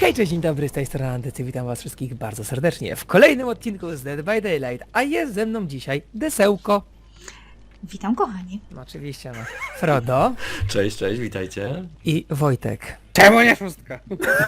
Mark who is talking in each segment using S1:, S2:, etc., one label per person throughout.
S1: Hej, cześć, dzień dobry, z tej strony Andycy, witam was wszystkich bardzo serdecznie w kolejnym odcinku z Dead by Daylight, a jest ze mną dzisiaj Desełko.
S2: Witam kochani.
S1: No, oczywiście, no. Frodo
S3: Cześć, cześć, witajcie.
S1: i Wojtek.
S4: Czemu nie szóstka?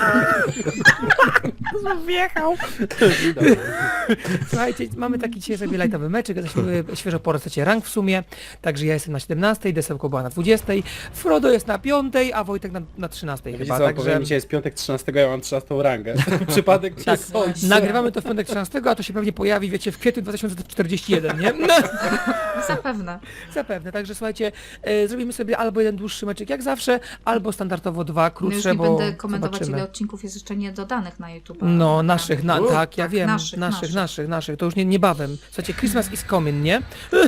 S1: Wjechał. Słuchajcie, mamy taki dzisiaj sobie lightowy meczek, jesteśmy świeżo po resecie rank w sumie, także ja jestem na 17, Desełko była na 20, Frodo jest na 5, a Wojtek na 13
S4: Wiecie
S1: chyba,
S4: co,
S1: także...
S4: powiem, dzisiaj jest piątek 13, ja mam 13 rangę. Przypadek
S1: Tak,
S4: cię sądzi.
S1: nagrywamy to w piątek 13, a to się pewnie pojawi, wiecie, w kwietniu 2041, nie? No.
S2: Zapewne.
S1: Zapewne, także słuchajcie, zrobimy sobie albo jeden dłuższy meczek jak zawsze, albo standardowo dwa
S2: No
S1: krótsze,
S2: już nie
S1: bo
S2: będę komentować,
S1: zobaczymy.
S2: ile odcinków jest jeszcze niedodanych na YouTube.
S1: No, naszych, tak, ja
S2: tak,
S1: wiem,
S2: naszych.
S1: naszych, to już niebawem. Słuchajcie, Christmas is coming, nie?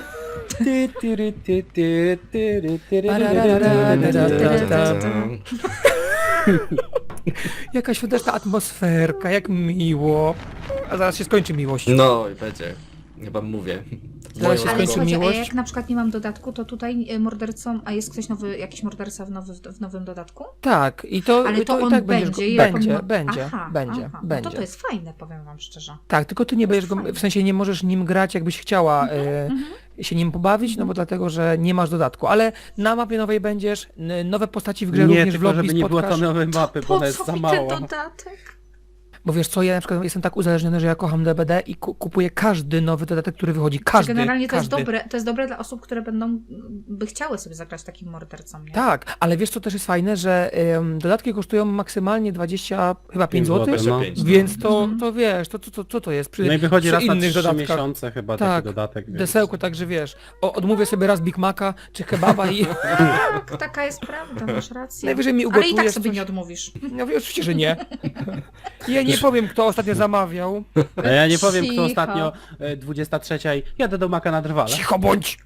S1: Jaka świąteczna atmosferka, jak miło. A zaraz się skończy miłość.
S3: No i będzie. Chyba mówię.
S1: Zaraz się
S3: Moją
S2: Ale
S1: skończy
S3: drogą.
S2: słuchajcie, a
S1: miłość.
S2: jak na przykład nie mam dodatku, to tutaj mordercą, a jest ktoś nowy, jakiś morderca w nowym dodatku?
S1: Tak, i to,
S2: Ale to
S1: i
S2: on
S1: tak będziesz
S2: będzie,
S1: go,
S2: jak on ma-
S1: będzie.
S2: Aha.
S1: będzie.
S2: No to jest fajne, powiem wam szczerze.
S1: Tak, tylko ty nie będziesz go,
S2: fajne.
S1: w sensie nie możesz nim grać, jakbyś chciała się nim pobawić, no bo dlatego, że nie masz dodatku, ale na mapie nowej będziesz, nowe postaci w grze
S4: Nie,
S1: również w
S4: tylko
S1: lobby
S4: żeby nie było
S1: spotkasz.
S4: to nowej mapy, bo
S2: Po
S4: ona jest
S2: co
S4: za
S2: mi ten
S4: mała.
S2: dodatek?
S1: Bo wiesz co, ja na przykład jestem tak uzależniony, że ja kocham DBD i kupuję każdy nowy dodatek, który wychodzi, każdy,
S2: Generalnie to
S1: każdy.
S2: to jest dobre dla osób, które by chciały sobie zagrać takim mordercą, nie?
S1: Tak, ale wiesz co też jest fajne, że dodatki kosztują maksymalnie 20, chyba 5 zł,
S4: złotych, no.
S3: 25,
S1: więc to wiesz, co to jest przy,
S4: No i wychodzi
S1: przy
S4: raz na
S1: innych
S4: 3
S1: dodatkach.
S4: miesiące chyba
S1: Tak,
S4: taki dodatek. Więc...
S1: Desełko, także wiesz, odmówię sobie raz Big Maca czy kebaba i
S2: Tak, taka jest prawda, masz rację.
S1: najwyżej mi
S2: Ale
S1: ugotujesz
S2: i tak sobie
S1: coś.
S2: nie odmówisz.
S1: No oczywiście, że nie. Ja nie powiem, kto ostatnio zamawiał.
S4: A ja nie powiem, kto
S2: Cicho.
S4: ostatnio 23 jadę do Maka na drwale.
S1: Cicho bądź!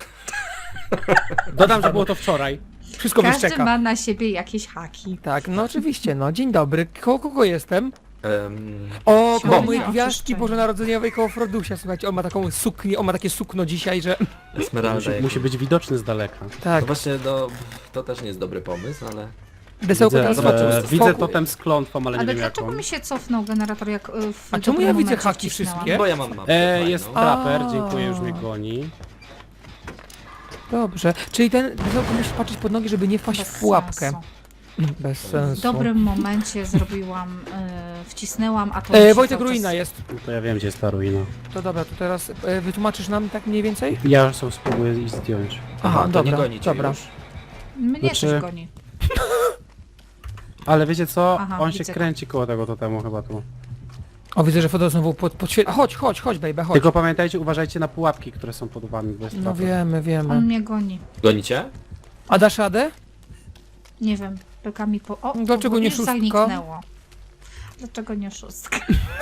S4: Dodam, że było to wczoraj.
S1: Wszystko
S2: Każdy
S1: wyszczeka.
S2: ma na siebie jakieś haki.
S1: Tak, no oczywiście, no. Dzień dobry. Kogo jestem?
S3: Em,
S1: O, koło
S2: Świąteczne
S1: mojej gwiazdki
S2: oczyszczenie.
S1: bożonarodzeniowej, koło Frodusia. Słuchajcie, on ma taką suknię, on ma takie sukno dzisiaj, że...
S3: Esmeralda.
S4: Musi być widoczny z daleka.
S1: Tak,
S3: No właśnie, no, to też nie jest dobry pomysł, ale...
S1: Desełko
S4: Widzę,
S1: teraz
S3: zobaczymy, co
S4: widzę
S1: spokój.
S4: totem z klątwą, ale nie
S2: Ale
S4: wiem
S2: dlaczego
S4: jaką.
S2: mi się cofnął generator, jak w
S1: A czemu
S2: dobrym
S1: ja widzę
S2: momencie
S1: haki
S2: wcisnęłam?
S1: wszystkie?
S3: Bo ja mam mapę
S4: Jest
S3: fajną.
S4: traper,
S1: A.
S4: dziękuję, już mnie goni.
S1: Dobrze, czyli ten Desełko musisz patrzeć pod nogi, żeby nie wpaść
S2: Bez
S1: w pułapkę.
S2: sensu.
S1: Bez
S2: W
S1: sensu.
S2: dobrym momencie zrobiłam, wcisnęłam, a to mi się
S1: Wojtek,
S2: cały czas-
S1: ruina jest.
S4: No to ja wiem, gdzie jest ta ruina.
S1: To dobra, to teraz wytłumaczysz nam tak mniej więcej?
S4: Ja już sobie spróbuję ich zdjąć.
S1: Aha,
S3: to
S1: dobra,
S3: nie gonicie
S1: dobra.
S3: już.
S2: Mnie
S4: Znaczy-
S2: coś goni.
S4: Ale wiecie co?
S2: Aha,
S4: On się
S2: widzę.
S4: kręci koło tego totemu chyba tu.
S1: O, widzę, że Frodo znowu chodź, baby, chodź.
S4: Tylko pamiętajcie, uważajcie na pułapki, które są pod wami, bo jest
S1: No
S4: traper.
S1: wiemy.
S2: On mnie goni.
S3: Gonicie?
S1: A dasz radę?
S2: Nie wiem, pyka mi po... O,
S1: Dlaczego nie
S2: już
S1: szóstka?
S2: zaniknęło. Dlaczego nie szóstka?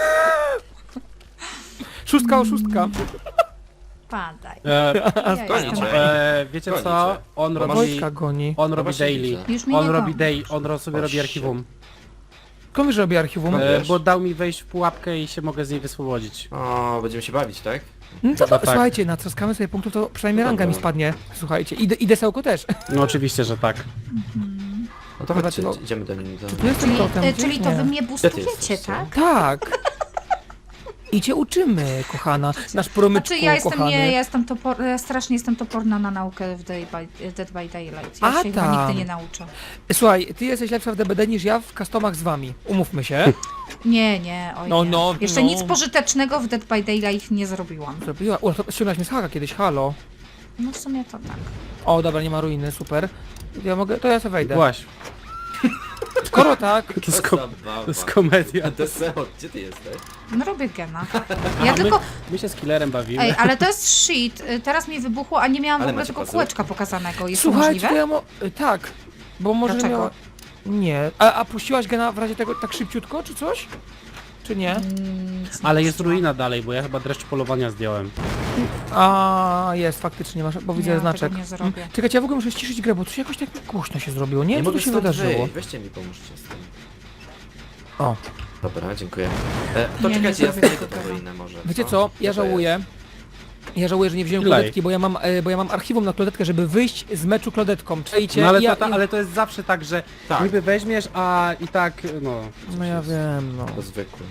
S1: Szóstka.
S2: Padaj.
S4: E,
S3: Gonicie.
S4: wiecie
S3: Gonicie.
S4: co? On
S3: Bo
S4: robi,
S1: Wojtka goni.
S4: on robi
S3: właśnie
S4: daily.
S3: widzę.
S2: Już mnie
S4: On
S2: nie
S4: robi
S2: goni.
S4: day, on sobie
S3: O,
S4: robi
S3: shit.
S4: archiwum.
S1: Komuś robi archiwum.
S3: Wiesz.
S4: Bo dał mi wejść w pułapkę i się mogę z niej wyswobodzić.
S3: O, będziemy się bawić, tak?
S1: No to,
S4: Chyba tak.
S1: słuchajcie, natroskamy sobie punktów, to przynajmniej ranga mi
S3: Dobra.
S1: spadnie. Słuchajcie, i Desełko też.
S4: No oczywiście, że tak.
S3: No to
S1: Chyba
S3: chodźcie,
S1: tylko-
S3: idziemy do nim.
S1: Tu jest ten totem, gdzieś?
S2: Czyli to
S1: Nie.
S2: wy mnie boostujecie,
S3: jesteście?
S2: tak?
S1: Tak. I cię uczymy, kochana. Nasz promyczku,
S2: Znaczy ja jestem,
S1: kochany.
S2: ja jestem ja strasznie jestem toporna na naukę w Dead by Daylight. Ja
S1: A,
S2: się chyba
S1: tam.
S2: nigdy nie nauczę.
S1: Słuchaj, ty jesteś lepsza w DBD niż ja w customach z wami. Umówmy się.
S2: Nie, oj
S1: No,
S2: nie.
S1: no,
S2: Jeszcze
S1: no.
S2: nic pożytecznego w Dead by Daylight nie zrobiłam.
S1: Zrobiła. O, to ściągnąłeś mnie z haka kiedyś, halo.
S2: No w sumie to tak.
S1: O, dobra, nie ma ruiny, super. Ja mogę, to ja sobie wejdę.
S4: Właśnie,
S1: Skoro tak,
S4: to jest,
S3: Zabawa.
S4: to jest komedia.
S3: Deseo, gdzie ty jesteś?
S2: No robię gena. Ja tylko...
S4: My się z killerem bawimy.
S2: Ej, ale to jest shit. Teraz mi wybuchło, a nie miałam w
S3: Ale
S2: ogóle
S3: macie
S2: tego
S3: puzzle?
S2: kółeczka pokazanego. Jest to
S1: słuchajcie,
S2: możliwe?
S1: to ja tak, bo może
S2: Dlaczego?
S1: miała... Nie. A puściłaś go w razie tego tak szybciutko, czy coś? Czy nie?
S4: Ale jest ruina dalej, bo ja chyba dreszcz polowania zdjąłem.
S1: A jest, faktycznie masz, bo widzę
S2: Ja tego
S1: znaczek.
S2: nie zrobię.
S1: Czekajcie, ja w ogóle muszę ściszyć grę, bo tu się jakoś tak głośno się zrobiło. Nie wiem, co
S3: mogę
S1: tu się
S3: stąd
S1: wydarzyło.
S3: wyjść. Weźcie mi, pomóżcie z tym.
S1: O,
S3: Dobra, dziękuję. To
S2: Nie,
S3: czekajcie,
S2: nie
S3: ja
S2: zrobię
S3: zdejdę
S2: tego.
S3: tą ruinę może.
S1: wiecie
S3: co?
S1: co? Ja
S3: to
S1: żałuję. Ja żałuję, że nie wziąłem
S4: Ilaj.
S1: klodetki, bo ja mam archiwum na klodetkę, żeby wyjść z meczu klodetką. Czajcie?
S4: No ale,
S1: ja,
S4: ale to jest zawsze tak, że
S3: Tak.
S4: niby weźmiesz, a i tak, no...
S1: No ja wiem, no.
S3: To zwykły.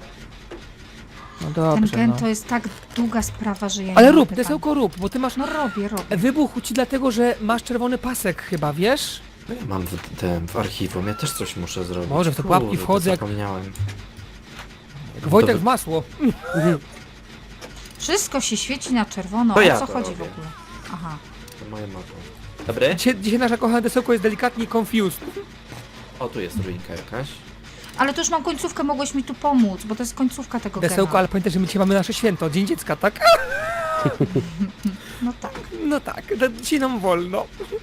S1: No
S2: Ten
S1: dobrze,
S2: gen
S1: no.
S2: to jest tak długa sprawa, że ja
S1: Ale
S2: nie
S1: rób,
S2: mogę
S1: desełko rób, bo ty masz...
S2: No robię.
S1: Wybuchł ci dlatego, że masz czerwony pasek chyba, wiesz?
S3: No ja mam w archiwum, ja też coś muszę zrobić.
S1: Może w te pułapki
S3: Kurde,
S1: wchodzę jak-
S3: zapomniałem.
S1: Jak Wojtek w masło.
S2: Wszystko się świeci na czerwono,
S3: To
S2: o
S3: ja
S2: co
S3: to
S2: chodzi
S3: robię.
S2: w ogóle? Aha.
S3: To moje motto. Dobry?
S1: Dzisiaj nasza kochana desełko jest delikatnie confused.
S3: O, tu jest ruinka jakaś.
S2: Ale to już mam końcówkę, mogłeś mi tu pomóc, bo to jest końcówka tego
S1: Desełko,
S2: gena.
S1: ale pamiętaj, że my dzisiaj mamy nasze święto, Dzień Dziecka, tak?
S2: No tak.
S1: No tak, dzisiaj nam wolno.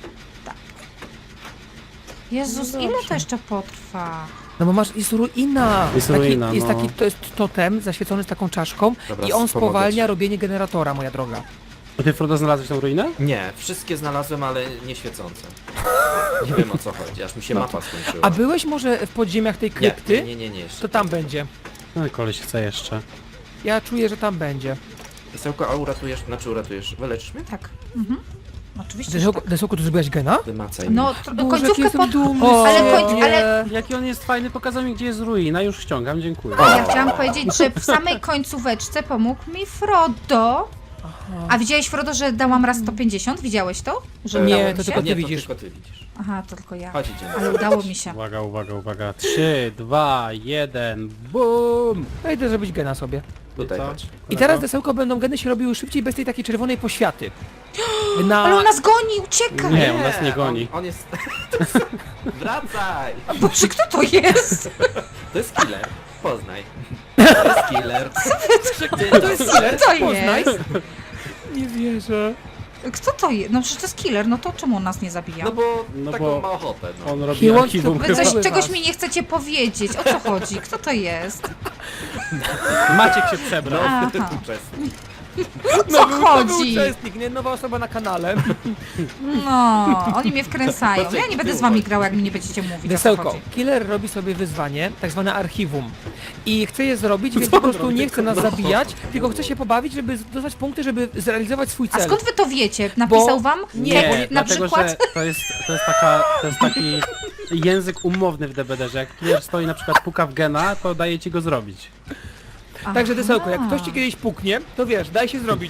S2: Jezus,
S1: No
S2: ile
S1: dobrze.
S2: to jeszcze potrwa?
S1: No bo jest ruina.
S4: Jest ruina,
S1: jest
S4: no.
S1: taki, to jest totem zaświecony z taką czaszką
S3: Dobra,
S1: i on
S3: pomogę
S1: spowalnia
S3: ci.
S1: robienie generatora, moja droga.
S4: A ty, Frodo, znalazłeś tą ruinę?
S3: Nie, wszystkie znalazłem, ale nie świecące. Nie wiem o co chodzi, aż mi się mapa skończyła.
S1: A byłeś może w podziemiach tej krypty?
S3: Nie, jeszcze.
S1: To tam będzie.
S4: No koleś chce jeszcze.
S1: Ja czuję, że tam będzie.
S3: Desełko, a uratujesz, wyleczysz mnie?
S2: Tak. Mhm. Oczywiście, że tak.
S1: Desełko, tu zrobiłaś gena?
S3: Wymacaj mnie.
S2: No,
S1: Boże, jaki
S2: końcówkę
S1: jestem
S2: pod...
S1: dumny
S2: Ale
S1: z
S2: końc-
S1: siebie.
S2: ale-
S4: Jaki on jest fajny, pokazał mi, gdzie jest ruina, już ściągam, dziękuję.
S2: A ja chciałam powiedzieć, że w samej końcóweczce pomógł mi Frodo. A widziałeś, Frodo, że dałam raz 150? Widziałeś to? Że
S1: Nie,
S2: udało
S1: to
S2: mi się?
S1: tylko ty
S3: nie,
S1: widzisz.
S3: To tylko ty widzisz.
S2: Aha, to tylko ja.
S3: Chodź, idziemy.
S2: Ale udało mi się.
S4: Uwaga, uwaga, uwaga. 3, 2, 1, BUM!
S1: Ja idę zrobić gena sobie.
S3: Tutaj
S4: Co?
S3: chodź.
S1: I teraz desełko będą geny się robiły szybciej bez tej takiej czerwonej poświaty.
S2: Ale on nas goni, ucieka!
S4: Nie, on nas nie goni.
S3: On jest... Wracaj!
S2: Boże, kto to jest?
S3: To jest killer. Poznaj. To jest killer.
S1: To jest killer,
S2: Co to
S1: poznaj.
S2: jest?
S1: Nie wierzę.
S2: Kto to jest? No przecież to jest killer, no to czemu on nas nie zabija?
S3: No bo
S4: No
S3: taką
S4: bo-
S3: ma ochotę, no.
S4: On robi
S1: He wants
S4: archiwum.
S1: to
S2: Wy coś,
S1: Chyba.
S2: czegoś mi nie chcecie powiedzieć. O co chodzi? Kto to jest?
S4: Maciek się przebrał.
S2: Aha.
S3: Uczestnik.
S2: Co
S1: Nowy
S2: chodzi?
S1: uczestnik, nie? Nowa osoba na kanale.
S2: No, oni mnie wkręcają. Ja nie będę z wami grała, jak mi nie będziecie mówić. O co
S1: Desełko,
S2: chodzi.
S1: killer robi sobie wyzwanie, tak zwane archiwum. I chce je zrobić, więc po prostu nie chce nas zabijać, tylko chce się pobawić, żeby dostać punkty, żeby zrealizować swój
S2: A
S1: cel.
S2: skąd wy to wiecie? Napisał wam?
S4: Nie,
S2: tekst na
S4: dlatego,
S2: przykład?
S4: że to jest taki język umowny w DBD, że jak killer stoi na przykład puka w gena, to daje ci go zrobić.
S1: Także Desełko, jak
S2: Aha.
S1: ktoś ci kiedyś puknie, to wiesz, daj się zrobić.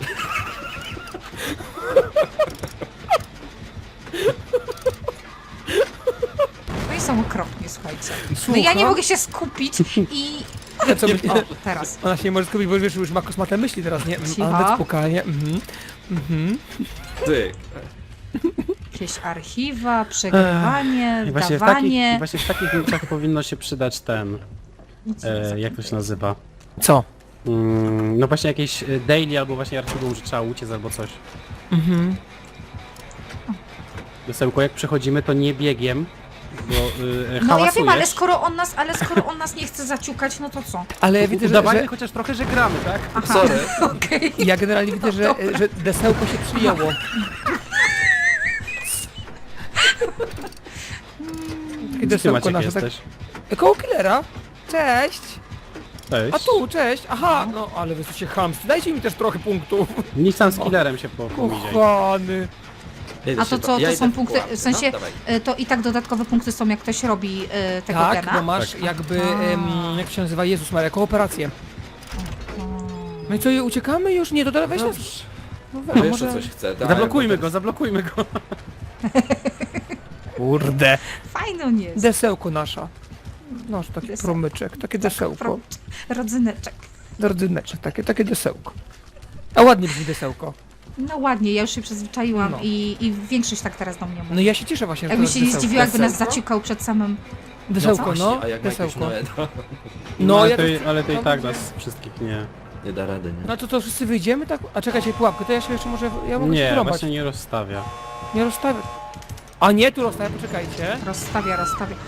S2: No i są okropnie, słuchajcie. No
S1: Słucham?
S2: ja nie mogę się skupić i...
S1: Co by...
S2: O, teraz.
S1: Ona się nie może skupić, bo wiesz, już ma kosmate myśli teraz, nie?
S2: Cicho.
S1: Nawet pukanie.
S3: Ty.
S2: Jakieś archiwa, przegrywanie,
S4: I
S2: wdawanie.
S4: właśnie w takich miejscach powinno się przydać ten... jak to się nazywa?
S1: Co?
S4: No właśnie jakieś daily albo właśnie archiwum, że trzeba uciec albo coś. Desełko, jak przechodzimy, to nie biegiem, bo
S2: No ja wiem, ale
S4: hałasujesz.
S2: skoro on nas nie chce zaciukać, no to co?
S1: Ale ja widzę,
S4: Udawajmy
S1: że
S4: chociaż trochę, że gramy, tak?
S2: Aha,
S3: Sorry.
S2: okej.
S1: ja generalnie widzę, że Desełko się przyjęło. Takie
S4: Gdzie ty,
S1: desełko
S4: Maciek,
S1: nasze, tak...
S4: jesteś?
S1: Koło killera. Cześć.
S4: Cześć.
S1: A tu, cześć. Aha, no ale wy jesteście chamscy. Dajcie mi też trochę punktów.
S4: Nic tam z killerem się pomiziaj.
S1: Kochany.
S2: A to co,
S3: Ja
S2: to
S3: idę
S2: są
S3: w
S2: punkty,
S3: pułapkę,
S2: w sensie,
S3: no, dawaj.
S2: to i tak dodatkowe punkty są, jak ktoś robi tego
S1: Tak,
S2: gena?
S1: bo masz jakby, jak się nazywa, Jezus Maria, kooperację. No i co, uciekamy już? Nie, to teraz weź nas. No,
S3: Wiesz,
S1: może...
S3: że coś chce, tak?
S4: Zablokujmy go, zablokujmy go.
S1: Kurde.
S2: Fajny on jest.
S1: Desełko nasza. No, taki
S2: Desełko.
S1: promyczek, takie desełko.
S2: Rodzyneczek.
S1: Rodzyneczek, takie desełko. A ładnie brzmi desełko.
S2: No ładnie, ja już się przyzwyczaiłam
S1: No.
S2: i większość tak teraz do mnie mówi.
S1: No ja się cieszę właśnie, że
S2: Jakby
S1: to
S2: się nie
S1: desełko.
S2: zdziwiła, jakby nas
S3: Desełko?
S2: zaciukał przed samym...
S1: Desełko,
S3: Właśnie,
S1: no,
S3: a jak ma jakiegoś
S1: desełko.
S3: Noeda,
S1: No,
S4: ale,
S1: ja
S4: to,
S1: też...
S4: ale to i tak nas wszystkich nie.
S3: nie da rady, nie?
S1: No to wszyscy wyjdziemy, tak? A czekajcie, pułapkę, to ja się jeszcze może... Ja mogę się
S4: Nie,
S1: wrąbać.
S4: właśnie nie rozstawia.
S1: Nie rozstawię. A nie, tu rozstawię, poczekajcie.
S2: Rozstawia.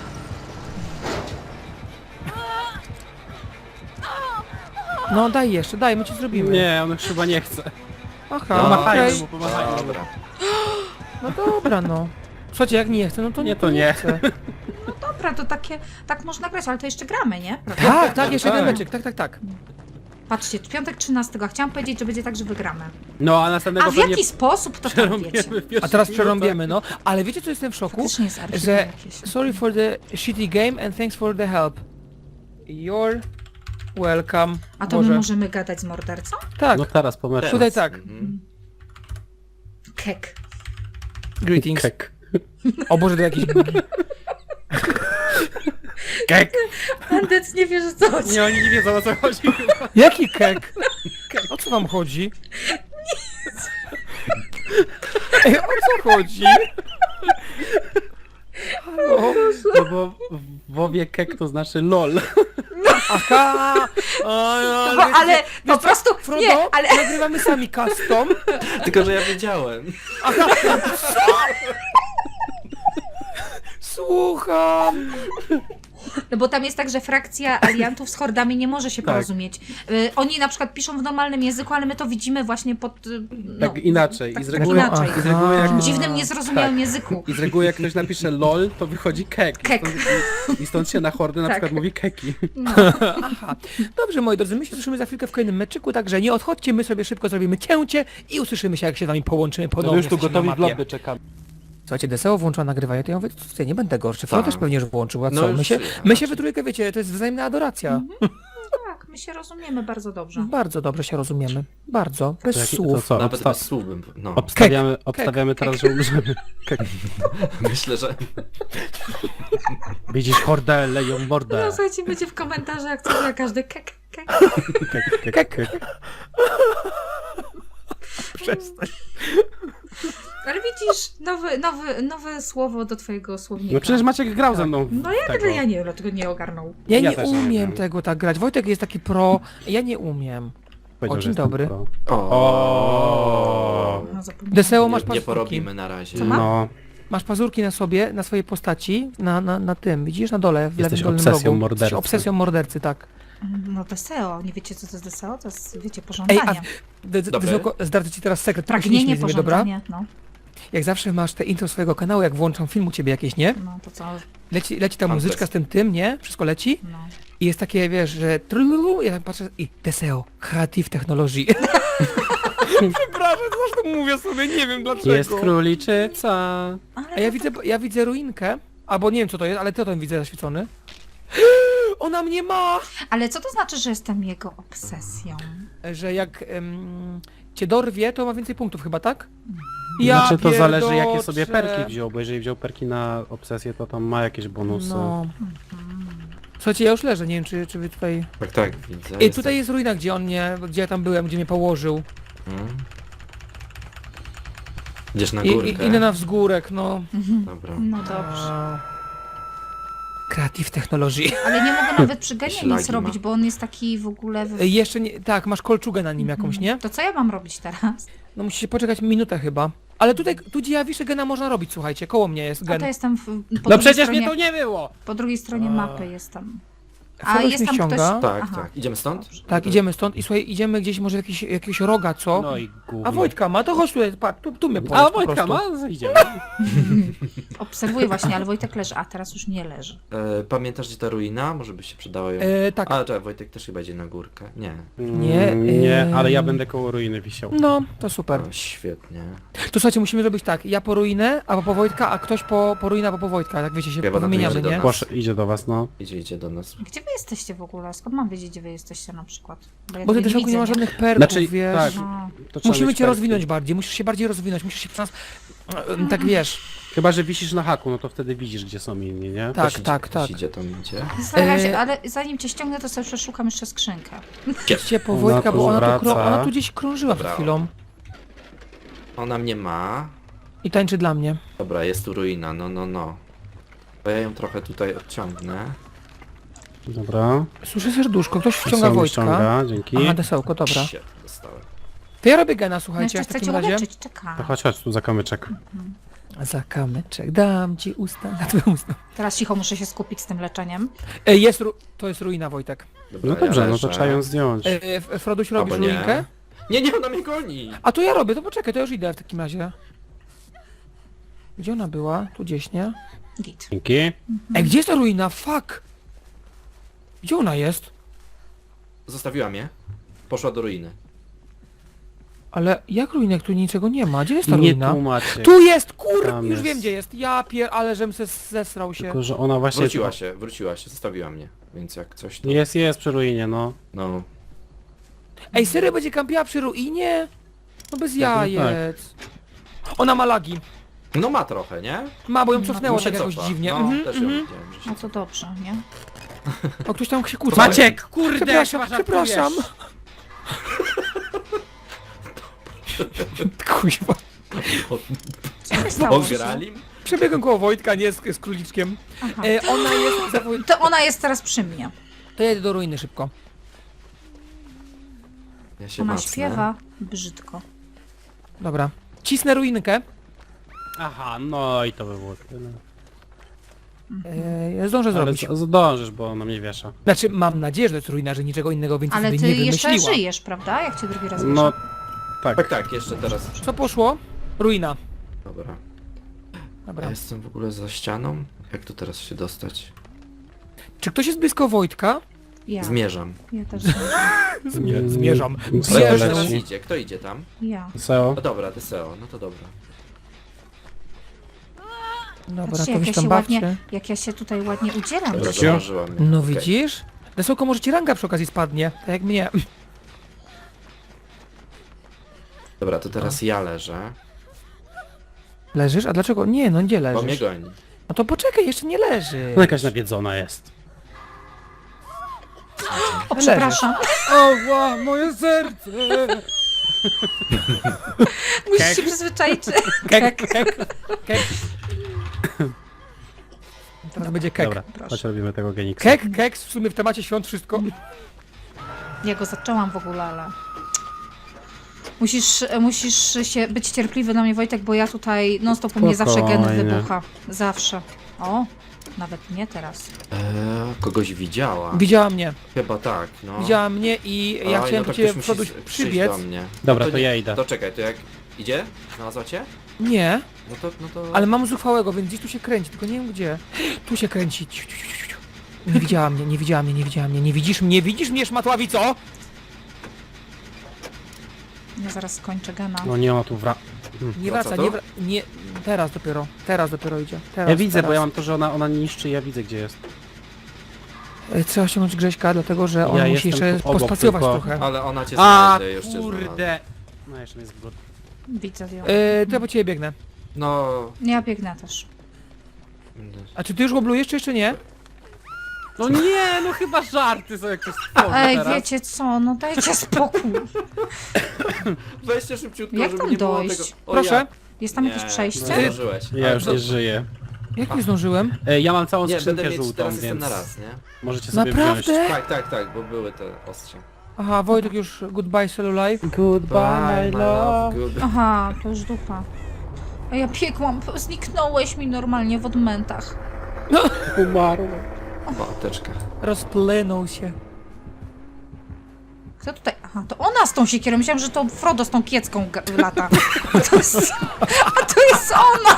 S1: No daj jeszcze, daj, my ci zrobimy.
S4: Nie, on już chyba nie chce.
S1: Aha,
S3: No,
S4: Pomachajmy
S1: okej.
S4: mu, pomachajmy mu.
S3: Dobra.
S1: No dobra, no. Słuchajcie, jak nie chcę, no to
S4: Nie, to nie.
S1: chcę.
S2: Dobra, to takie, tak można grać, ale to jeszcze gramy, nie?
S1: Tak, tak, jeszcze
S4: Tak.
S1: jeden meczek, tak.
S2: Patrzcie, piątek 13, a chciałam powiedzieć, że będzie tak, że wygramy.
S4: No, a następnego
S2: A w jaki sposób, to tam wiecie.
S4: przerąbiemy w pierwszych
S1: A teraz
S4: minutach.
S1: przerąbiemy, no. Ale wiecie co jestem w szoku?
S2: Faktycznie jest archiwum
S1: Że
S2: jakieś.
S1: sorry for the shitty game and thanks for the help. You're welcome.
S2: A to
S1: Boże.
S2: my możemy gadać z mordercą?
S1: Tak,
S4: No teraz po meczu.
S1: tutaj tak.
S3: Mhm.
S2: Kek.
S1: Greetings.
S4: Kek.
S1: O Boże, to jakiś...
S4: Kek.
S2: Andec nie wie, że co chodzi.
S4: Nie, oni nie wiedzą o co chodzi.
S1: Jaki kek? O co wam chodzi? Ej, o co chodzi? Halo?
S4: No bo w WoWie kek to znaczy lol.
S1: Aha! O, no,
S2: No, ale po
S1: co,
S2: prostu,
S1: Frodo,
S2: nie, ale
S1: nagrywamy sami custom.
S3: Tylko, że ja wiedziałem.
S1: Słucham.
S2: no bo tam jest tak, że frakcja aliantów z hordami nie może się
S4: Tak.
S2: porozumieć. Oni na przykład piszą w normalnym języku, ale my to widzimy właśnie pod... No,
S4: Tak inaczej.
S2: tak
S4: I z reguły,
S2: inaczej.
S4: i z reguły jak,
S2: W dziwnym, niezrozumiałym języku.
S4: i z reguły jak ktoś napisze lol, to wychodzi kek.
S2: Kek.
S4: I stąd się na hordy na
S2: Tak.
S4: przykład mówi keki.
S2: No.
S1: Aha. Dobrze, moi drodzy, my się słyszymy za chwilkę w kolejnym meczyku, także nie odchodźcie, my sobie szybko zrobimy cięcie i usłyszymy się, jak się z wami połączymy ponownie.
S4: już tu
S1: Jesteśmy
S4: gotowi
S1: na
S4: w
S1: mapie.
S4: lobby czekamy.
S1: Słuchajcie, DSO włączyła nagrywanie, to ja mówię, ja nie będę gorszy. Flo
S3: Tak.
S1: też pewnie już włączył, a
S3: No
S1: co?
S3: już
S1: My się,
S3: ja
S1: my się
S3: raczej.
S1: we trójkę, wiecie, to jest wzajemna adoracja.
S2: Tak, my się rozumiemy bardzo dobrze.
S1: Bardzo dobrze się rozumiemy. Bardzo. Bez
S4: To
S1: słów.
S4: co,
S3: Nawet bez słów bym... No,
S4: obstawiamy teraz, że umrzemy. Kek.
S3: myślę, że...
S4: Widzisz hordę, leją mordę.
S2: No słuchajcie, będzie w komentarzach, co na każdy kek, kek.
S4: Kek, kek, kek.
S1: Przestań.
S2: Ale widzisz, nowe słowo do twojego słownika.
S4: No przecież Maciek grał ze mną w
S2: No ja
S4: tego.
S2: tego ja nie, dlatego nie ogarnął.
S1: Ja
S4: Ja
S1: nie
S4: też nie
S1: umiem
S4: wiem.
S1: tego tak grać. Wojtek jest taki pro, ja nie umiem.
S4: Powiedział,
S1: O,
S4: że
S1: dzień
S4: jestem
S1: dobry.
S4: pro.
S3: O.
S2: No, zapomniałam.
S1: Deseo, masz
S3: Nie
S1: pazurki.
S3: porobimy na razie.
S2: Co ma?
S4: No,
S1: Masz pazurki na sobie, na swojej postaci, na tym, widzisz, na dole, w
S4: Jesteś
S1: lewym dolnym
S4: obsesją
S1: rogu.
S4: mordercy.
S1: Jesteś obsesją mordercy, tak.
S2: No Deseo, nie wiecie co to jest Deseo? To jest, wiecie,
S1: Ej,
S2: pożądanie.
S3: Dobre.
S1: Zdradzę ci teraz sekret.
S2: Pragnienie,
S1: Pośmiej się z mnie, dobra?
S2: pożądanie, no.
S1: Jak zawsze masz te intro swojego kanału, jak włączam film u ciebie jakieś, nie?
S2: No to co?
S1: Leci ta
S3: Mam
S1: muzyczka z tym, nie? Wszystko leci
S2: No.
S1: i jest takie, wiesz, że trululu, ja tak patrzę i Deseo, Creative Technology. Przepraszam, zresztą mówię sobie, nie wiem dlaczego.
S4: jest króliczyca.
S1: A ja widzę ruinkę, albo nie wiem co to jest, ale to tam widzę zaświecony. Ona mnie ma!
S2: Ale co to znaczy, że jestem jego obsesją?
S1: Że jak cię dorwie, to ma więcej punktów chyba, tak?
S4: Znaczy to zależy jakie sobie
S1: pierdoczę.
S4: perki wziął, bo jeżeli wziął perki na obsesję, to tam ma jakieś bonusy.
S1: No. Słuchajcie, ja już leżę, nie wiem czy wy tutaj...
S3: Tak, tak, widzę.
S1: Ej, tutaj jest ruina, gdzie ja tam byłem, gdzie mnie położył.
S3: Hmm. Idziesz na
S1: I
S3: górkę.
S1: idę na wzgórek, no.
S3: Dobra.
S2: No dobrze.
S1: Creative Technology.
S2: Ale nie mogę nawet przy genie
S3: Ślagi
S2: nic robić,
S3: ma.
S2: bo on jest taki w ogóle...
S1: Jeszcze nie, tak, masz kolczugę na nim jakąś, nie?
S2: To co ja mam robić teraz?
S1: No musicie poczekać minutę chyba. Ale tutaj, tu gdzie ja wiszę gena można robić, słuchajcie, koło mnie jest
S2: A
S1: gen.
S2: to jestem po
S4: No
S2: drugiej
S4: przecież
S2: stronie,
S4: mnie tu nie było!
S2: po drugiej stronie mapy jestem. A
S1: Frodo
S2: jest
S1: mnie
S2: tam ktoś...
S1: ściąga.
S3: Tak,
S2: Aha.
S3: tak. Idziemy stąd?
S2: Dobrze.
S1: Tak, idziemy stąd i słuchaj, idziemy gdzieś może jakiegoś roga, co?
S4: No i gówno.
S1: A Wojtka ma, to chodź tutaj, patrz, tu mnie
S4: A
S1: powiedz po
S4: Wojtka
S1: prostu.
S4: ma? Idziemy.
S2: Obserwuję właśnie, ale Wojtek leży, a teraz już nie leży.
S3: Pamiętasz gdzie ta ruina? Może by się przydało ją...
S1: Tak,
S3: A, czekaj, Wojtek też chyba idzie na górkę. Nie.
S1: Nie,
S4: Nie, ale ja będę koło ruiny wisiał.
S1: no, to super.
S3: O, świetnie.
S1: To słuchajcie, musimy zrobić tak, ja po ruinę, albo po Wojtka, a ktoś po ruinę, albo po Wojtka, tak wiecie, się
S3: Chyba na
S1: wymieniamy,
S3: to idzie
S1: nie?
S3: do
S4: Proszę, idzie do was, no.
S3: Idzie do nas.
S2: Gdzie wy jesteście w ogóle? Skąd mam wiedzieć, gdzie wy jesteście na przykład? Ja
S1: Bo ty
S2: tutaj
S1: też nie ma
S2: widzę,
S1: żadnych perków,
S4: Znaczy,
S1: wiesz.
S4: tak.
S2: No.
S4: To trzeba
S1: Musimy
S4: mieć
S1: cię
S4: perki.
S1: rozwinąć bardziej, musisz się bardziej rozwinąć, musisz się przez nas, tak wiesz,
S4: Chyba, że wisisz na haku, no to wtedy widzisz, gdzie są inni, nie?
S1: tak,
S3: Ktoś
S1: tak,
S3: ktoś
S1: tak.
S3: idzie, to idzie.
S2: Zastanawiam się, ale zanim cię ściągnę, to sobie przeszukam jeszcze skrzynkę.
S1: Idźcie po
S4: Ona
S1: Wojtka,
S4: tu
S1: bo
S4: wraca.
S1: ona tu gdzieś krążyła przed
S3: Dobra.
S1: chwilą
S3: Ona mnie ma.
S1: i tańczy dla mnie.
S3: Dobra, jest tu ruina, no. To ja ją trochę tutaj odciągnę.
S4: Dobra.
S1: Słyszę serduszko, ktoś wciąga
S4: Co mi
S1: Wojtka.
S4: ściąga, dzięki.
S1: Aha, desełko, dobra.
S3: Shit, dostałem.
S1: To ja robię gena,
S2: No
S1: słuchajcie,
S2: jeszcze
S1: w
S2: chcę
S1: takim
S2: cię
S1: razie.
S2: uleczyć, czekam.
S4: To chodź tu za kamyczek.
S1: Za kamyczek, dam ci usta na twoje usta.
S2: Teraz cicho muszę się skupić z tym leczeniem.
S1: To jest ruina, Wojtek.
S3: Dobra,
S4: No dobrze,
S3: ja
S4: no to
S3: leżę.
S4: trzeba ją zdjąć.
S1: Froduś, robisz
S3: Albo nie.
S1: ruinkę?
S3: Nie, ona mnie goni!
S1: A to ja robię, to poczekaj, to już idę w takim razie. Gdzie ona była? Tu gdzieś, nie?
S2: Git.
S4: Dzięki.
S1: Ej, gdzie jest ta ruina? Fuck! Gdzie ona jest?
S3: Zostawiła mnie. Poszła do ruiny.
S1: Ale jak ruinek? Tu niczego nie ma. Gdzie jest ta
S4: Nie
S1: ruina?
S4: tłumaczcie.
S1: Tu jest, kur...
S4: Tam
S1: Już
S4: jest.
S1: wiem gdzie jest. Ja ale żem se zesrał się.
S4: Tylko, że ona właśnie...
S3: Wróciła się, zostawiła mnie. Więc jak coś to...
S4: Jest przy ruinie, no.
S3: No.
S1: Ej, serio będzie kampiła przy ruinie? No bez
S4: Tak, no
S1: jajec. Ona ma lagi.
S3: No ma trochę, nie?
S1: Ma, bo ją cofnęło
S3: Mu się
S1: tak jakoś
S3: cofa.
S1: dziwnie.
S3: No,
S1: Mhm,
S3: też ją
S1: mhm.
S3: widziałem, że się
S2: No to dobrze, nie?
S1: O, ktoś tam się kłóci.
S4: Maciek, kurde,
S1: Przepraszam,
S4: chyba
S1: przepraszam. Kuźwa.
S2: Co się stało?
S3: Ograli?
S1: Przebiegłem koło Wojtka, nie z króliczkiem.
S2: Aha.
S1: Ona jest...
S2: To ona jest teraz przy mnie.
S1: To jedę do ruiny szybko.
S3: Ja się
S2: Ona
S3: macnę.
S2: śpiewa brzydko.
S1: Dobra. Cisnę ruinkę.
S4: Aha, no i to by było tyle.
S1: Ja zdążę
S4: Ale
S1: zrobić.
S4: zdążysz, bo ona mnie wiesza.
S1: Znaczy, mam nadzieję, że to jest ruina, że niczego innego więcej
S2: Ale
S1: sobie
S2: ty
S1: nie
S2: jeszcze
S1: wymyśliła.
S2: żyjesz, prawda? Jak cię drugi raz
S4: No,
S2: wiesz.
S4: tak.
S3: Tak, tak, jeszcze teraz.
S1: Co poszło? Ruina.
S3: Dobra.
S1: Dobra.
S3: Ja jestem w ogóle za ścianą. Jak tu teraz się dostać?
S1: Czy ktoś jest blisko Wojtka?
S2: Ja.
S3: Zmierzam.
S2: Ja też zmierzam.
S1: Zmierzam.
S3: Kto
S1: Zmierzam.
S3: teraz idzie? Kto idzie tam?
S2: Ja.
S4: Seo.
S3: No dobra, Deseo, no to dobra.
S1: Dobra,
S2: Patrzcie,
S1: to
S2: jak
S1: wy
S2: ja
S1: tam
S2: się
S1: bawcie.
S2: ładnie, jak ja się tutaj ładnie udzielam.
S3: Dobra,
S2: dzisiaj.
S3: zauważyłam mnie.
S1: No
S3: Okej.
S1: widzisz? Desełko, może ci ranga przy okazji spadnie, tak jak mnie.
S3: Dobra, to teraz ja leżę.
S1: Leżysz? A dlaczego? Nie, no gdzie
S3: Bo mnie
S1: leżysz?
S3: goni.
S1: No to poczekaj, jeszcze nie leży.
S4: No jakaś nawiedzona jest.
S2: O, przepraszam.
S1: O, wow, moje serce!
S2: Musisz się przyzwyczaić.
S1: Kek, kek, kek. Teraz będzie kek.
S4: Dobra, chodź robimy tego geniksa.
S1: Kek, kek, w sumie w temacie świąt wszystko.
S2: Ja go zaczęłam w ogóle, ale... Musisz się być cierpliwy na mnie, Wojtek, bo ja tutaj non-stop u mnie zawsze gen
S4: Spokojnie.
S2: wybucha. Zawsze. O, nawet nie teraz.
S3: Kogoś widziała.
S1: Widziała mnie,
S3: Chyba tak, no.
S1: widziała mnie i ja
S3: Oj,
S1: chciałem
S3: no
S1: do
S3: to
S1: ciebie
S3: ktoś
S1: przodu
S3: musi przyjść
S1: przybiec.
S3: do mnie.
S4: Dobra,
S3: No
S4: to
S3: nie-
S4: ja idę.
S3: To czekaj, to jak idzie? Znalazła cię?
S1: Nie,
S3: No to...
S1: ale mam zuchwałego, więc gdzieś tu się kręci, tylko nie wiem gdzie. Tu się kręci. Ciu, ciu, ciu, ciu, ciu. Nie widziała mnie, nie widziała mnie, nie widziała mnie. Nie widzisz mnie, szmatławico?
S2: Ja zaraz skończę gena.
S4: No nie, ona tu
S1: Nie
S3: No
S1: wraca,
S3: co
S1: nie
S3: to?
S1: wraca. Nie, teraz dopiero idzie. Teraz,
S4: Ja widzę,
S1: teraz.
S4: bo ja mam to, że ona niszczy, ja widzę gdzie jest.
S1: Trzeba ściągnąć Grześka, dlatego że on
S4: Ja
S1: musi
S4: jestem
S1: jeszcze
S4: tu obok,
S1: pospacjować
S4: tylko-
S1: trochę.
S3: Ale ona cię
S4: A,
S3: znajdzie, już cię znalazła.
S4: kurde! No jeszcze mnie zbudł.
S2: Widzę ją.
S1: To ja po ciebie biegnę.
S3: No...
S2: Ja biegnę też.
S1: A czy ty już goblujesz, czy jeszcze nie?
S4: No nie, no chyba żarty są jak to stworzy
S2: Ej,
S4: teraz.
S2: wiecie co, no dajcie spokój.
S3: Weźcie szybciutko,
S2: Jak
S3: żeby
S2: tam
S3: nie było
S2: dojść?
S3: tego... O,
S1: Proszę.
S3: ja.
S2: Jest tam
S3: Nie,
S2: jakieś
S3: Nie
S2: przejście?
S3: zdążyłeś.
S4: Ja
S3: Ale
S4: już
S3: to-
S4: nie żyję.
S1: Jak nie zdążyłem?
S4: Ja mam całą
S3: Nie, będę
S4: skrzynkę
S3: mieć
S4: żółtą,
S3: teraz jestem
S4: więc
S3: na raz, nie?
S4: możecie sobie wziąć.
S1: Naprawdę?
S3: Tak, bo były te ostrze.
S1: Aha, Wojtek już goodbye Cellulife.
S4: Goodbye, my love.
S3: good.
S2: Aha, to już dupa. A ja piekłam, zniknąłeś mi normalnie w odmętach.
S4: Umarłem.
S3: O, apteczka.
S1: Rozpłynął się.
S2: Kto tutaj? Aha, to ona z tą siekierą. Myślałam, że to Frodo z tą kiecką lata. A to jest ona!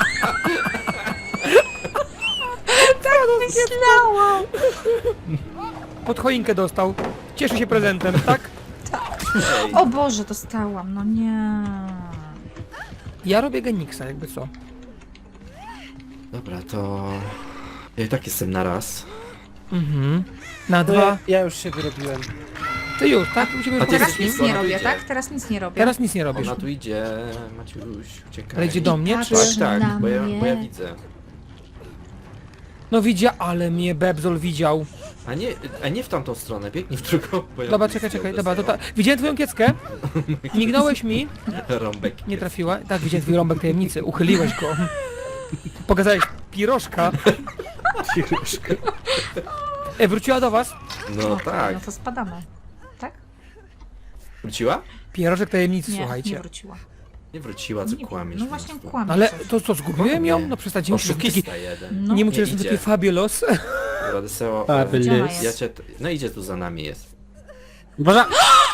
S2: Tak myślałam.
S1: Pod choinkę dostał. Cieszy się prezentem, tak?
S3: Ej,
S2: O Boże, dostałam, no nie.
S1: Ja robię Geniksa, jakby co.
S3: dobra, to... Ja i tak jestem na raz.
S1: Mhm. Na
S4: No
S1: dwa.
S4: ja już się wyrobiłem.
S1: Ty już, tak? Musimy
S3: A ty
S2: Teraz
S3: jesteś
S2: nic
S3: blisko,
S2: nie
S3: ona tu
S2: robię,
S3: idzie.
S2: tak? Teraz nic nie robię.
S1: Teraz nic nie robisz.
S3: Ona tu idzie, Maciuś, uciekaj.
S1: Ale idzie do mnie, czy...
S2: patrz.
S3: Tak,
S2: na
S3: bo ja
S2: mnie.
S3: widzę.
S1: No widział, ale mnie Bebzol widział.
S3: A nie w tamtą stronę, biegnij w drugą, bo ja
S1: Dobra,
S3: bym
S1: czekaj,
S3: zdjął
S1: dobra, to
S3: Deseo.
S1: widziałem twoją kieckę. Mignąłeś mi.
S3: Rąbek.
S1: Nie trafiła. Tak, widziałem twój rąbek tajemnicy. Uchyliłeś go. Pokazałeś pirożka. Wróciła do was.
S3: No tak.
S2: No to spadamy. Tak?
S3: Wróciła?
S1: Pierożek tajemnicy,
S2: Nie, nie
S1: słuchajcie.
S2: wróciła.
S3: Nie wróciła, co
S2: Nie,
S3: kłamiesz.
S2: no
S3: po
S2: właśnie
S3: prostu.
S2: kłamie.
S1: Ale
S2: coś.
S1: to co, zgubiłem ją? No przestańcie, nie mówcie, że taki...
S3: Oszukista jeden.
S2: No.
S1: Nie mówcie,
S3: Nie
S1: że jestem
S3: idzie.
S1: taki fabulous.
S3: Dobra, Deseo,
S4: A,
S2: Gdzie ona
S4: byli.
S2: jest?
S3: ja cię... No idzie tu za nami jest.
S4: Boże,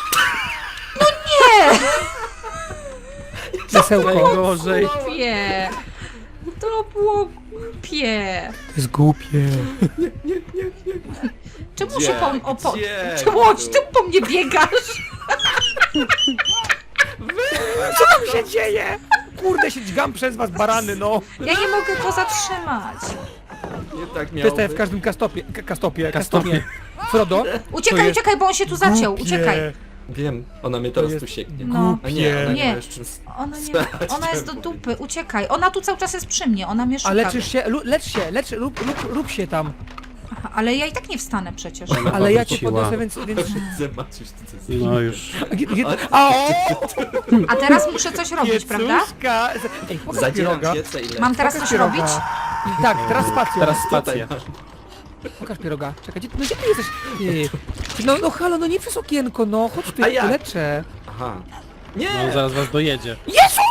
S1: Desełko.
S4: najgorzej.
S2: Głupie. To było głupie.
S1: To jest głupie.
S2: Czemu
S3: Gdzie?
S2: się
S3: Gdzie?
S2: Czemu ty po mnie biegasz?
S1: Co tam się dzieje? Kurde, się dźgam przez was, barany, no.
S2: Ja nie mogę go zatrzymać.
S3: Nie tak
S1: To
S3: miało
S1: jest tak jak w
S3: być.
S1: każdym kastopie. Frodo?
S2: Uciekaj, uciekaj, bo on się tu zaciął,
S1: Głupie.
S2: uciekaj.
S3: Wiem, ona mnie teraz
S1: jest
S3: tu sieknie.
S2: No.
S3: A nie, ona nie
S2: Nie.
S3: ma już czym...
S2: Ona jest do dupy, uciekaj. Ona tu cały czas jest przy mnie, ona mnie szuka.
S1: A leczysz się? Lecz się, rób się tam.
S2: Aha, ale ja i tak nie wstanę przecież.
S1: Ale ja cię
S4: wróciła.
S1: podniosę, więc...
S3: Zobaczysz, ty co
S4: No już.
S1: A,
S2: A teraz muszę coś robić, prawda?
S1: Piecuszka! Ej, pokaż
S3: Zadzieram
S1: pieroga.
S3: piecę i lecę.
S2: Mam teraz
S1: Pokaż
S2: coś
S1: pieroga.
S2: robić?
S1: Tak, teraz spacją.
S4: Teraz
S3: Tutaj
S4: spację.
S3: masz.
S1: Pokaż pieroga. Czekaj, gdzie ty jesteś? Ty. No halo, no nie przez okienko, no. Chodź tu,
S3: A
S1: ja
S3: jak?
S1: leczę.
S3: Aha.
S4: No
S3: Nie!
S4: zaraz was dojedzie.
S1: Jezu!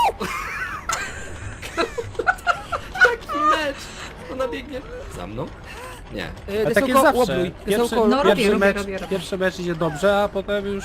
S3: Taki mecz! Ona biegnie za mną? Nie.
S4: A tak jest zawsze.
S1: Łobluj.
S4: Pierwszy,
S1: Desełko,
S2: No, robię,
S4: pierwszy,
S2: robię,
S4: mecz,
S2: robię.
S4: pierwszy mecz idzie dobrze, a potem już...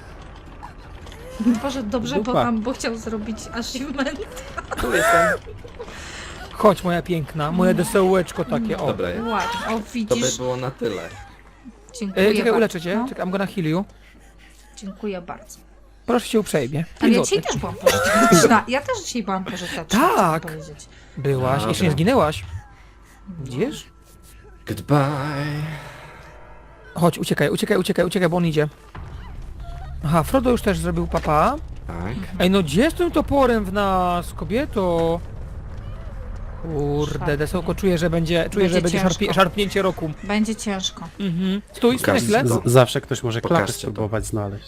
S2: Boże, dobrze,
S4: Dupa.
S2: bo chciał zrobić achievement.
S3: Tu jestem.
S1: Chodź, moja piękna, moje desełeczko takie, o.
S3: Dobra,
S2: Ładnie, o
S3: to by
S2: widzisz.
S3: było na tyle.
S2: Dziękuję
S1: Czekaj,
S2: bardzo.
S1: uleczę cię.
S2: No,
S1: Czekaj, I'm gonna heal you.
S2: dziękuję bardzo.
S1: Proszę cię uprzejmie.
S2: Ale ja
S1: 5
S2: dzisiaj
S1: złotych.
S2: też byłam pożyteczna. Ja też dzisiaj byłam pożyteczna,
S1: Tak.
S2: chcę powiedzieć.
S1: Byłaś,
S3: Dobra.
S1: jeszcze nie zginęłaś. Widzisz?
S3: Goodbye.
S1: Chodź, uciekaj, bo on idzie. Aha, Frodo już też zrobił papa.
S3: Tak.
S1: Ej, no gdzie z tym toporem w nas, kobieto? Kurde,
S2: Szarpnie.
S1: desełko, czuję, że będzie
S2: ciężko.
S1: szarpnięcie roku.
S2: Będzie ciężko.
S1: Mhm. Stój na
S3: Pokaż
S1: chwilę.
S3: to.
S4: Zawsze ktoś może klapę
S3: Pokażcie to.
S4: spróbować znaleźć.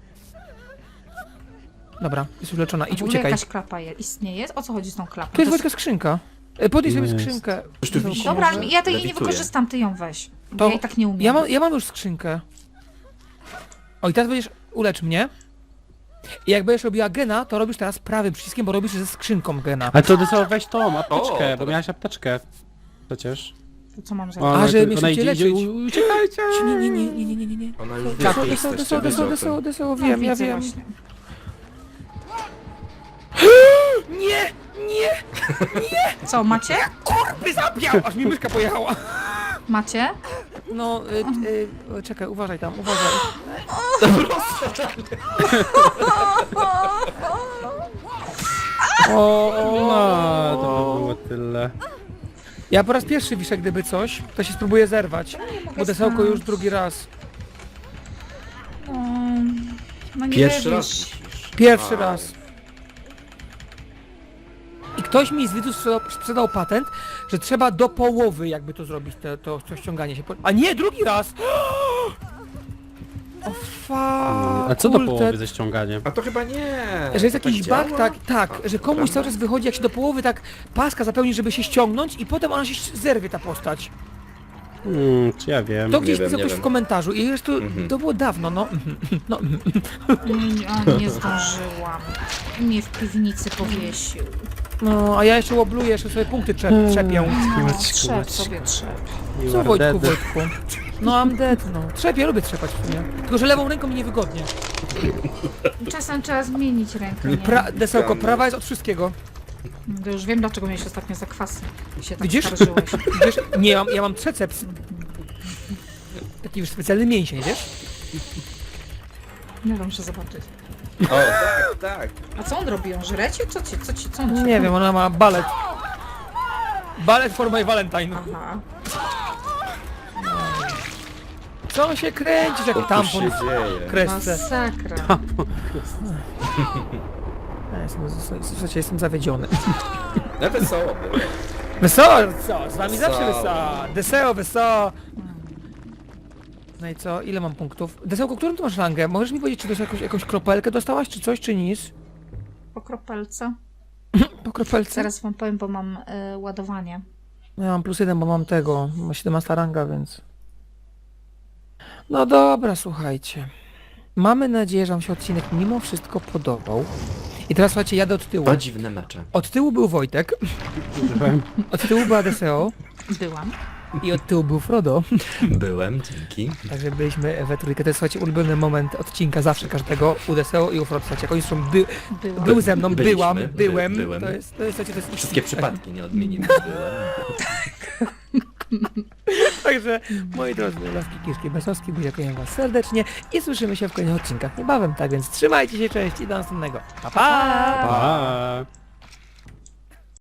S1: Dobra, jest już leczona,
S2: W
S1: idź,
S2: ogóle
S1: uciekaj.
S2: jakaś klapa istnieje? O co chodzi z tą klapą?
S1: Tu jest
S2: To
S1: Wojtka skrzynka. Podnieś sobie
S4: Jest.
S1: skrzynkę.
S3: Już tu wisi.
S2: Dobra,
S3: Może
S2: ja tej nie
S3: lewituje.
S2: wykorzystam, ty ją weź.
S1: To
S2: Ja i tak nie umiem.
S1: Ja mam już skrzynkę. O, i teraz będziesz... Ulecz mnie. I jak będziesz robiła gena, to robisz teraz prawym przyciskiem, bo robisz ze skrzynką gena.
S4: Ale to Dyseo, weź tą apteczkę,
S3: O,
S4: bo miałaś apteczkę. Przecież.
S2: To co mam
S4: O,
S2: zrobić?
S1: A,
S4: no,
S1: żeby
S4: to
S1: mnie
S4: ona
S1: szybciej
S4: idzie,
S1: leczyć.
S4: uciekajcie!
S1: Nie.
S3: Ona już wie,
S1: Tak,
S3: że jesteście bez okien.
S1: Deseo,
S2: No,
S1: wiem, ja
S2: widzę
S1: wiem.
S2: właśnie.
S1: Nie!
S2: Co, macie?
S1: By zabiał! Aż mi myszka pojechała.
S2: Macie?
S1: No, czekaj, uważaj tam, uważaj.
S4: No, to by było tyle.
S1: Ja po raz pierwszy wiszę, gdyby coś, to się spróbuję zerwać. Bo desełko już drugi raz.
S2: No nie
S3: Pierwszy
S2: wiesz.
S3: raz musisz.
S1: Pierwszy
S3: A.
S1: raz. I ktoś mi z widzów sprzedał patent, że trzeba do połowy jakby to zrobić, to ściąganie się. A nie, drugi raz! O
S4: A co do połowy ze ściąganiem?
S3: A to chyba nie.
S1: Że jest
S3: To
S1: jakiś
S3: tak
S1: bug,
S3: działa?
S1: tak,
S3: A,
S1: że
S3: to
S1: komuś
S3: prawda.
S1: cały czas wychodzi, jak się do połowy tak paska zapełni, żeby się ściągnąć i potem ona się zerwie, ta postać.
S4: Czy ja wiem.
S1: To gdzieś
S3: wiem,
S1: pisał
S3: nie
S1: ktoś w
S3: wiem.
S1: komentarzu i już to było dawno, no. No,
S2: Nie zdążyłam. Mnie w piwnicy powiesił.
S1: no, a ja jeszcze łobluję, jeszcze sobie punkty trzepię.
S2: No,
S4: Maćku,
S2: trzep
S4: Maćku.
S2: sobie trzep.
S4: You
S1: Co
S4: are
S1: Wojtku,
S4: dead.
S1: Wojtku? No I'm dead, no. Trzepię, lubię trzepać w sumie. Tylko, że lewą ręką mi niewygodnie.
S2: Czasem trzeba zmienić rękę, nie?
S1: Desełko, prawa jest od wszystkiego.
S2: To już wiem, dlaczego miałeś ostatnio zakwasy. I się tak
S1: Widzisz?
S2: skarżyłeś.
S1: Wiesz, nie, ja mam triceps. Taki już specjalny mięsień, wiesz?
S2: Nie wiem, muszę zobaczyć.
S3: O, tak, tak.
S2: A co on robi? On żre cię? Co on ci
S1: Nie wiem, ona ma balet. Balet for my valentine.
S2: Aha.
S1: Co on się kręcisz, jak
S3: Co tu
S1: tampon
S3: się
S1: w
S3: dzieje?
S1: kresce.
S2: Masakra.
S1: Słuchajcie, jestem zawiedziony.
S3: No wesoło było.
S1: Wesoło, co? Z wami zawsze
S3: Wesoło.
S1: wesoło. Deseo, wesoło. No i co? Ile mam punktów? Desełko, którą tu masz rangę? Możesz mi powiedzieć, czy to jakąś kropelkę dostałaś, czy coś, czy nic?
S2: Po kropelce.
S1: Po kropelce?
S2: Zaraz wam powiem, bo mam ładowanie.
S1: No ja mam +1, bo mam tego. Mam 17 ranga, więc... No dobra, słuchajcie. Mamy nadzieję, że wam się odcinek mimo wszystko podobał. I teraz słuchajcie, jadę od tyłu.
S3: To dziwne mecze.
S1: Od tyłu był Wojtek, od tyłu była Deseo
S2: Byłam.
S1: i od tyłu był Frodo.
S3: Byłem, dzięki.
S1: Także byliśmy we trójkę. To jest, słuchajcie, ulubiony moment odcinka zawsze każdego u Deseo i u Frodo. Słuchajcie, jak oni są
S2: Byłam.
S1: był ze mną,
S3: Byliśmy,
S1: byłem.
S3: byłem.
S1: To jest, słuchajcie, to jest
S3: Wszystkie przypadki nie odmienimy. Byłem.
S1: Także, moi drodzy, laski, kiszki, besowski, dziękuję was serdecznie i słyszymy się w kolejnych odcinkach niebawem. Tak więc trzymajcie się, cześć i do następnego. Pa, pa!
S4: Pa!